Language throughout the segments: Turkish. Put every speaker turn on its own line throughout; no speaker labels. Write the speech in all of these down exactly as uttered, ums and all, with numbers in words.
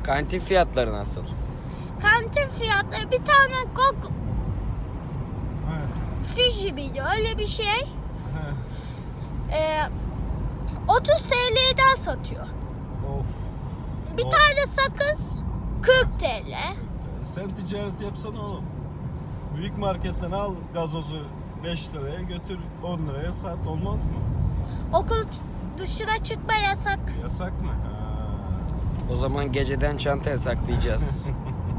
Kantin fiyatları nasıl?
Kantin fiyatları bir tane Coke
He.
Fiji miydi öyle bir şey.
He.
Ee, otuz T L'den satıyor.
Of.
Bir
Of.
tane sakız kırk T L.
Sen ticaret yapsana oğlum. Büyük marketten al gazozu beş liraya götür on liraya sat, olmaz mı?
Okul ç- dışına çıkma yasak.
Yasak mı? Ha.
O zaman geceden çanta saklayacağız.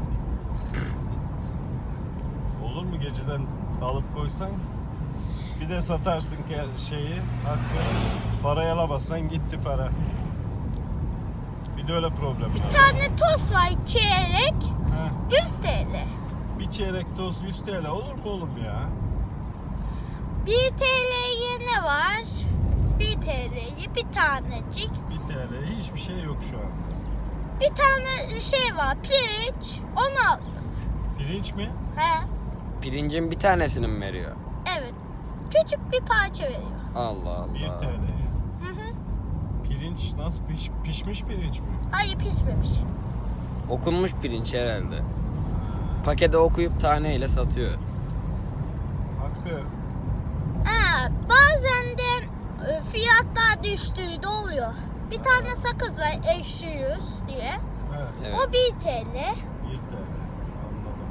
Olur mu geceden alıp koysan? Bir de satarsın ki şeyi, hakkı. Parayı alamazsan gitti para. Bir de öyle problem var.
Bir tane tost var çeyrek
Heh.
yüz T L.
Bir çeyrek toz yüz T L olur mu oğlum ya?
bir T L'ye ne var? bir T L'ye bir tanecik.
bir T L hiçbir şey yok şu anda.
Bir tane şey var pirinç onu alıyoruz.
Pirinç mi?
He
Pirincin bir tanesini mi veriyor?
evet. Küçük bir parça veriyor.
Allah
bir T
Allah.
L.
Hı hı.
Pirinç nasıl piş, pişmiş pirinç mi?
Hayır pişmemiş.
Okunmuş pirinç herhalde. Pakete okuyup taneyle satıyor.
Hakkı.
Ha, bazen de e, fiyatlar düştüğü de oluyor. Bir tane sakız var ekşi yüz diye.
Evet.
Evet.
O bir T L.
bir T L. Anladım.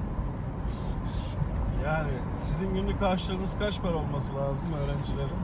Yani sizin günlük harçlığınız kaç para olması lazım öğrencilerin?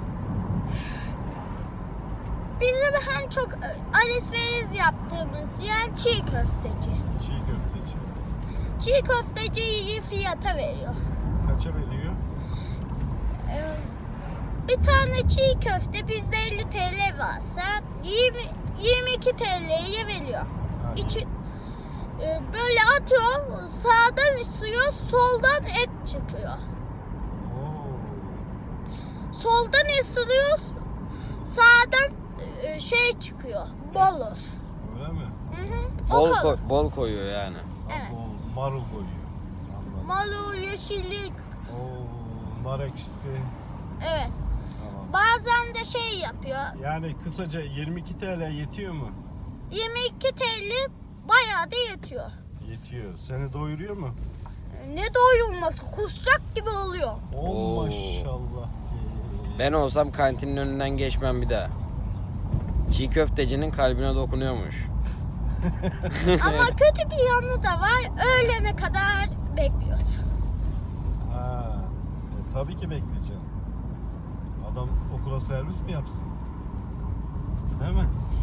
Bizim en çok e, alışveriş yaptığımız yer çiğ köfteci.
Çiğ köfteci.
Çiğ köfteci iyi fiyata veriyor.
Kaça veriyor?
Ee, Bir tane çiğ köfte bizde elli T L varsa yirmi, yirmi iki T L'ye veriyor.
Ha,
İçi, e, böyle atıyor, sağdan ısıyor, soldan et çıkıyor.
Oo.
Soldan ısırıyor, sağdan e, şey çıkıyor, bolur.
Öyle mi?
Hı hı.
Bol,
O kadar.
koy- bol koyuyor yani.
Evet.
Bol marul koyuyor. Anladım.
Marul, yeşillik,
Oo, nar ekşisi.
evet.
Tamam.
Bazen de şey yapıyor,
Yani kısaca yirmi iki T L yetiyor mu?
yirmi iki T L bayağı da yetiyor.
Yetiyor. Seni doyuruyor mu?
Ne doyulması, kusacak gibi oluyor.
Oo,
Oo.
maşallah.
Ben olsam kantinin önünden geçmem bir daha. Çiğ köftecinin kalbine dokunuyormuş.
Ama kötü bir yanı da var. Öğlene kadar bekliyoruz.
Ha, e, tabii ki bekleyeceğim. Adam okula servis mi yapsın? Değil mi?